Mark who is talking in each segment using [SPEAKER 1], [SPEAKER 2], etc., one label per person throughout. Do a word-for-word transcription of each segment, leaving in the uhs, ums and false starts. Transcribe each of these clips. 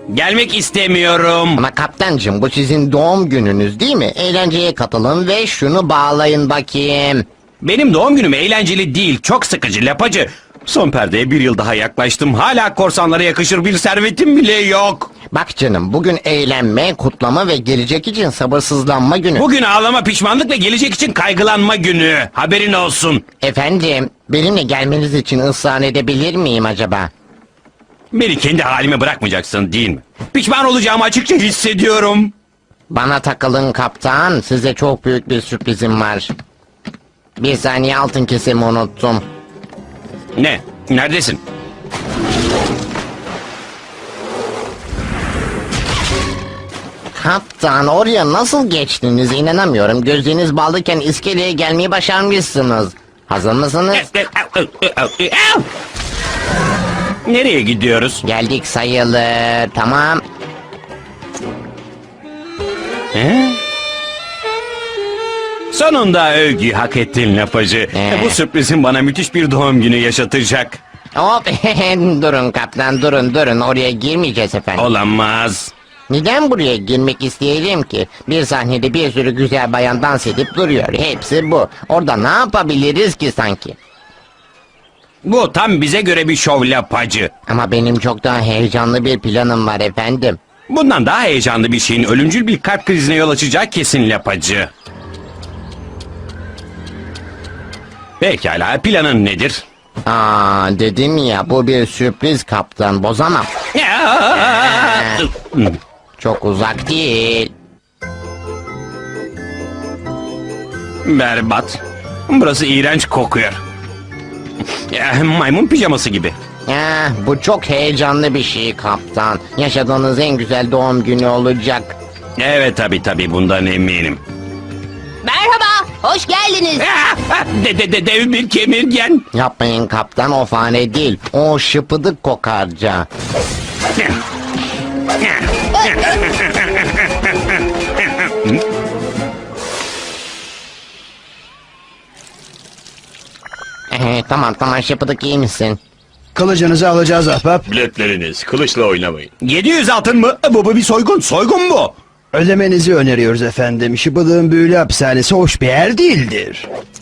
[SPEAKER 1] Gelmek istemiyorum.
[SPEAKER 2] Ama kaptancım, bu sizin doğum gününüz değil mi? Eğlenceye katılın ve şunu bağlayın bakayım.
[SPEAKER 1] Benim doğum günüm eğlenceli değil, çok sıkıcı lapacı. Son perdeye bir yıl daha yaklaştım. Hala korsanlara yakışır bir servetim bile yok.
[SPEAKER 2] Bak canım, bugün eğlenme, kutlama ve gelecek için sabırsızlanma günü.
[SPEAKER 1] Bugün ağlama, pişmanlık ve gelecek için kaygılanma günü. Haberin olsun.
[SPEAKER 2] Efendim, benimle gelmeniz için ısrar edebilir miyim acaba?
[SPEAKER 1] Beni kendi halime bırakmayacaksın değil mi? Pişman olacağımı açıkça hissediyorum.
[SPEAKER 2] Bana takılın kaptan, size çok büyük bir sürprizim var. Bir saniye, altın kesemi unuttum.
[SPEAKER 1] Ne? Neredesin?
[SPEAKER 2] Kaptan, oraya nasıl geçtiniz inanamıyorum. Gözleriniz bağlıyken iskeleye gelmeyi başarmışsınız. Hazır mısınız?
[SPEAKER 1] Nereye gidiyoruz?
[SPEAKER 2] Geldik sayılır, tamam.
[SPEAKER 1] He? Sonunda övgüyü hak ettin lapacı.
[SPEAKER 2] Ee?
[SPEAKER 1] Bu sürprizin bana müthiş bir doğum günü yaşatacak.
[SPEAKER 2] Hop, durun kaptan, durun durun, oraya girmeyeceğiz efendim.
[SPEAKER 1] Olamaz.
[SPEAKER 2] Neden buraya girmek isteyelim ki? Bir sahnede bir sürü güzel bayan dans edip duruyor. Hepsi bu. Orada ne yapabiliriz ki sanki?
[SPEAKER 1] Bu tam bize göre bir şov lapacı.
[SPEAKER 2] Ama benim çok daha heyecanlı bir planım var efendim.
[SPEAKER 1] Bundan daha heyecanlı bir şeyin ölümcül bir kalp krizine yol açacağı kesin lapacı. Pekala, planın nedir?
[SPEAKER 2] Aa, dedim ya, bu bir sürpriz kaptan, bozamam. Çok uzak değil.
[SPEAKER 1] Berbat. Burası iğrenç kokuyor. Ya, maymun pijaması gibi.
[SPEAKER 2] Ya, bu çok heyecanlı bir şey kaptan. Yaşadığınız en güzel doğum günü olacak.
[SPEAKER 1] Evet tabi tabi, bundan eminim.
[SPEAKER 3] Merhaba, hoş geldiniz.
[SPEAKER 1] De, de, de, dev bir kemirgen.
[SPEAKER 2] Yapmayın kaptan, o fare değil. O şıpıdık kokarca. Ee, tamam tamam, şıpıdık, iyi misin?
[SPEAKER 4] Kılıcınızı alacağız ahbap.
[SPEAKER 5] Biletleriniz, kılıçla oynamayın.
[SPEAKER 1] yedi yüz altın mı? Bu, bu bir soygun. Soygun bu.
[SPEAKER 4] Ödemenizi öneriyoruz efendim. Şıbıdığın büyülü hapishanesi hoş bir yer değildir.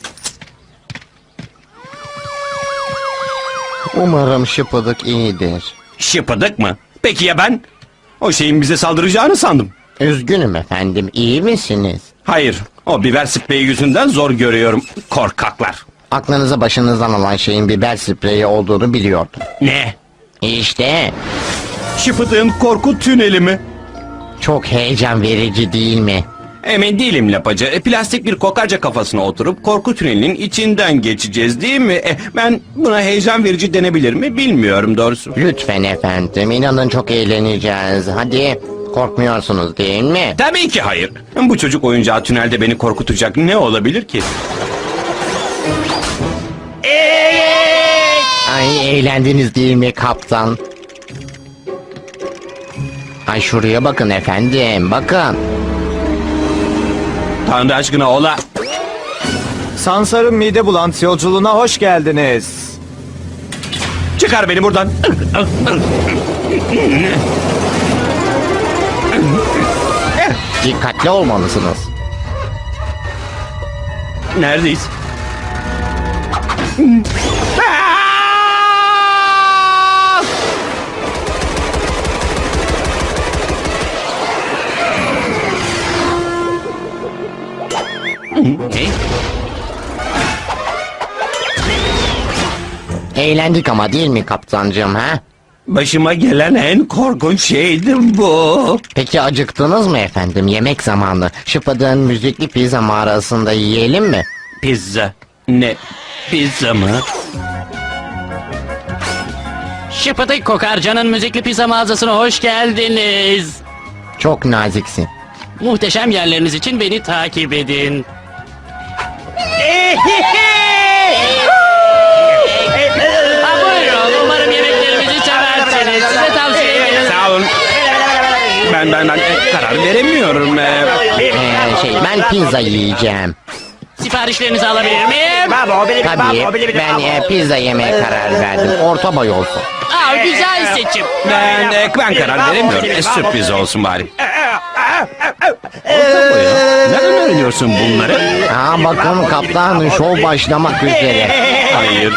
[SPEAKER 2] Umarım şıpıdık iyidir.
[SPEAKER 1] Şıpıdık mı? Peki ya ben? O şeyin bize saldıracağını sandım.
[SPEAKER 2] Üzgünüm efendim, iyi misiniz?
[SPEAKER 1] Hayır, o biber spreyi yüzünden zor görüyorum. Korkaklar.
[SPEAKER 2] Aklınızı başınızdan alan şeyin biber spreyi olduğunu biliyordum.
[SPEAKER 1] Ne?
[SPEAKER 2] İşte,
[SPEAKER 1] Şıpıdığın korku tüneli mi?
[SPEAKER 2] çok heyecan verici değil mi?
[SPEAKER 1] Emin değilim lapacı. E, plastik bir kokarca kafasına oturup korku tünelinin içinden geçeceğiz değil mi? E, ben buna heyecan verici denebilir mi bilmiyorum doğrusu.
[SPEAKER 2] Lütfen efendim, inanın çok eğleneceğiz. Hadi, korkmuyorsunuz değil mi?
[SPEAKER 1] Tabii ki hayır. Bu çocuk oyuncağı tünelde beni korkutacak ne olabilir ki?
[SPEAKER 2] Ay, eğlendiniz değil mi kaptan? Ay, şuraya bakın efendim, bakın.
[SPEAKER 1] Tanrı aşkına ola.
[SPEAKER 6] Sansar'ın mide bulantısı yolculuğuna hoş geldiniz.
[SPEAKER 1] Çıkar beni buradan.
[SPEAKER 2] Dikkatli olmalısınız.
[SPEAKER 1] Neredeyiz?
[SPEAKER 2] Eğlendik ama değil mi kaptancığım, ha?
[SPEAKER 1] Başıma gelen en korkunç şeydi bu.
[SPEAKER 2] Peki acıktınız mı efendim? Yemek zamanı. Şıpıdığın müzikli pizza mağarasında yiyelim mi?
[SPEAKER 1] Pizza. Ne? Pizza mı?
[SPEAKER 7] Şıpıdık Kokarca'nın müzikli pizza mağazasına hoş geldiniz.
[SPEAKER 2] Çok naziksin.
[SPEAKER 7] Muhteşem yerleriniz için beni takip edin. Ha, buyurun, umarım yemeklerimizi seversiniz. Size tavsiye ederim.
[SPEAKER 1] Sağ olun. Ben ben ben e, karar veremiyorum. E,
[SPEAKER 2] Ee, şey, ben pizza yiyeceğim.
[SPEAKER 7] Siparişlerinizi alabilir miyim?
[SPEAKER 2] Tabii, ben e, pizza yemeye karar verdim. Orta boy olsun.
[SPEAKER 7] Aa, güzel seçim.
[SPEAKER 1] Ben, e, ben karar veremiyorum. E, sürpriz olsun bari. Orta boya. Nereden öğreniyorsun bunları?
[SPEAKER 2] Aa, bakın kaptan, şov başlamak üzere.
[SPEAKER 1] Hayır.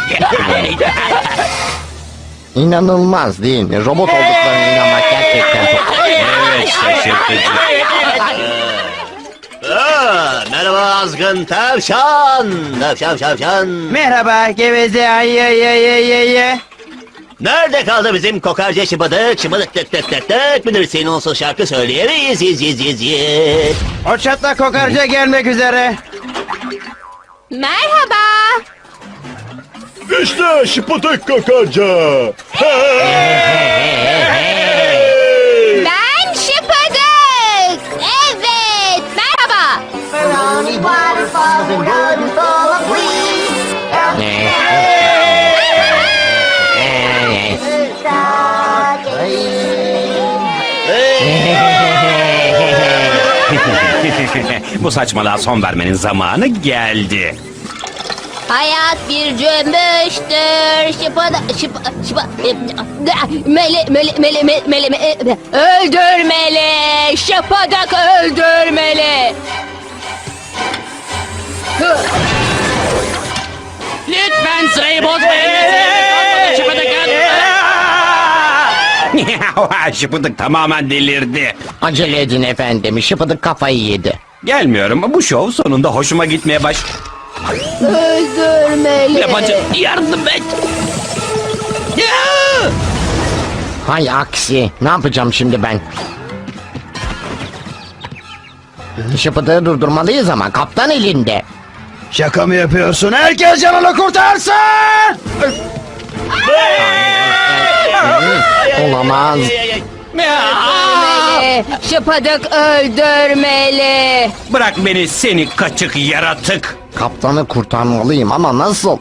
[SPEAKER 2] İnanılmaz değil mi? Robot olduklarına inanmak gerçekten çok...
[SPEAKER 1] Evet, şaşırtıcı.
[SPEAKER 5] Aa, merhaba azgın tavşan. Tavşan tavşan.
[SPEAKER 4] Merhaba geveze ay ay ay ay ay ay.
[SPEAKER 5] Nerede kaldı bizim kokarca şıbıdık? Şıbıdık tık tık tık tık. Bilirsin onsuz şarkı söyleyemeyiz. Yiz yiz yiz yiz.
[SPEAKER 4] O çatla kokarca gelmek üzere.
[SPEAKER 3] Merhaba.
[SPEAKER 5] İşte şıbıdık kokarca.
[SPEAKER 3] Ben Şıpadık. Evet. Merhaba.
[SPEAKER 1] Bu saçmalığa son vermenin zamanı geldi.
[SPEAKER 3] Hayat bir cümbüştür. Şıpada, şıpa, şıpa, mele, mele, mele, mele, mele, mele, öldürmeli. Şıpadak öldürmeli.
[SPEAKER 7] Lütfen sırayı bozmayın. Şıpıdıkın.
[SPEAKER 1] Şıpıdık tamamen delirdi.
[SPEAKER 2] Acele edin efendim, şıpıdık kafayı yedi.
[SPEAKER 1] Gelmiyorum. Bu şov sonunda hoşuma gitmeye baş...
[SPEAKER 3] Öldürmeli.
[SPEAKER 1] Yapacak yardım et. Ya!
[SPEAKER 2] Hay aksi, ne yapacağım şimdi ben? Şıpıdığı durdurmalıyız ama kaptan elinde.
[SPEAKER 4] Şaka mı yapıyorsun? Herkes canını kurtarsın!
[SPEAKER 2] Olamaz.
[SPEAKER 3] Öldürmeli. Şıpadık öldürmeli.
[SPEAKER 1] Bırak beni seni kaçık yaratık.
[SPEAKER 2] Kaptanı kurtarmalıyım ama nasıl?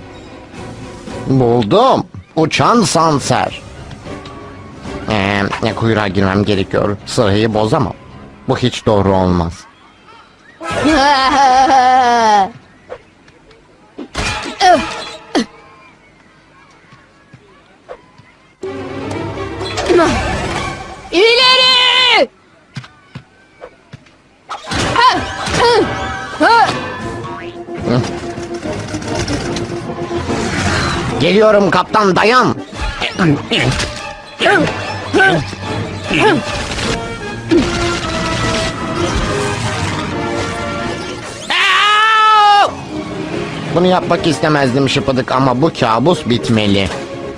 [SPEAKER 2] Buldum. Uçan sanser. Ee, kuyruğa girmem gerekiyor. Sırayı bozamam. Bu hiç doğru olmaz.
[SPEAKER 3] İleri!
[SPEAKER 2] Geliyorum kaptan, dayan. Bunu yapmak istemezdim şıpıdık ama bu kabus bitmeli.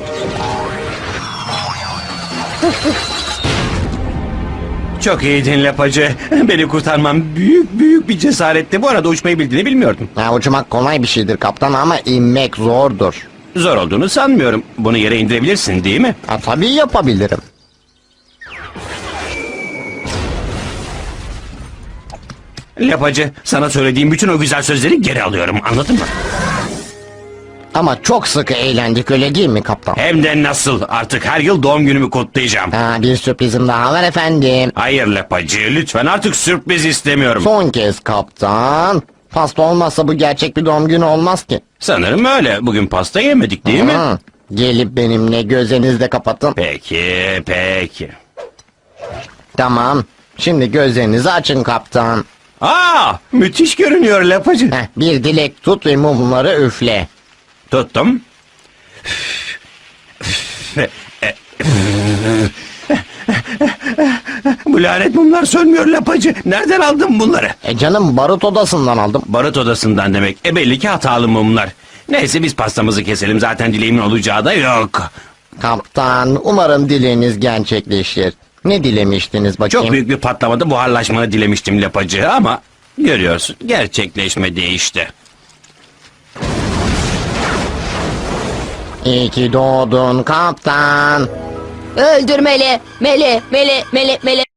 [SPEAKER 1] Çok iyiydin lapacı. Beni kurtarman büyük büyük bir cesaretti. Bu arada uçmayı bildiğini bilmiyordum.
[SPEAKER 2] Ha, uçmak kolay bir şeydir kaptan ama inmek zordur.
[SPEAKER 1] Zor olduğunu sanmıyorum. Bunu yere indirebilirsin değil mi?
[SPEAKER 2] Ha, tabii yapabilirim.
[SPEAKER 1] Lapacı, sana söylediğim bütün o güzel sözleri geri alıyorum. Anladın mı?
[SPEAKER 2] Ama çok sıkı eğlendik, öyle değil mi kaptan?
[SPEAKER 1] Hem de nasıl? Artık her yıl doğum günümü kutlayacağım.
[SPEAKER 2] Ha, bir sürprizim daha var efendim.
[SPEAKER 1] Hayır lapacı, lütfen artık sürpriz istemiyorum.
[SPEAKER 2] Son kez kaptan. Pasta olmazsa bu gerçek bir doğum günü olmaz ki.
[SPEAKER 1] Sanırım öyle. Bugün pasta yemedik değil mi?
[SPEAKER 2] Hı. Gelip benimle gözlerinizi de kapatın.
[SPEAKER 1] Peki, peki.
[SPEAKER 2] Tamam. Şimdi gözlerinizi açın kaptan.
[SPEAKER 1] Aa, müthiş görünüyor lapacı.
[SPEAKER 2] Heh, bir dilek tut ve mumları üfle.
[SPEAKER 1] Tuttum. Bu lanet mumlar sönmüyor lapacı. Nereden aldın bunları?
[SPEAKER 2] E canım, barut odasından aldım.
[SPEAKER 1] Barut odasından demek. E belli ki hatalı mumlar. Neyse biz pastamızı keselim. Zaten dileğimin olacağı da yok.
[SPEAKER 2] Kaptan, umarım dileğiniz gerçekleşir. Ne dilemiştiniz bakayım?
[SPEAKER 1] Çok büyük bir patlamada buharlaşmanı dilemiştim lapacı ama görüyorsun gerçekleşmedi işte.
[SPEAKER 2] İyi ki doğdun kaptan.
[SPEAKER 3] Öldürmeli. Mele, mele, mele, mele.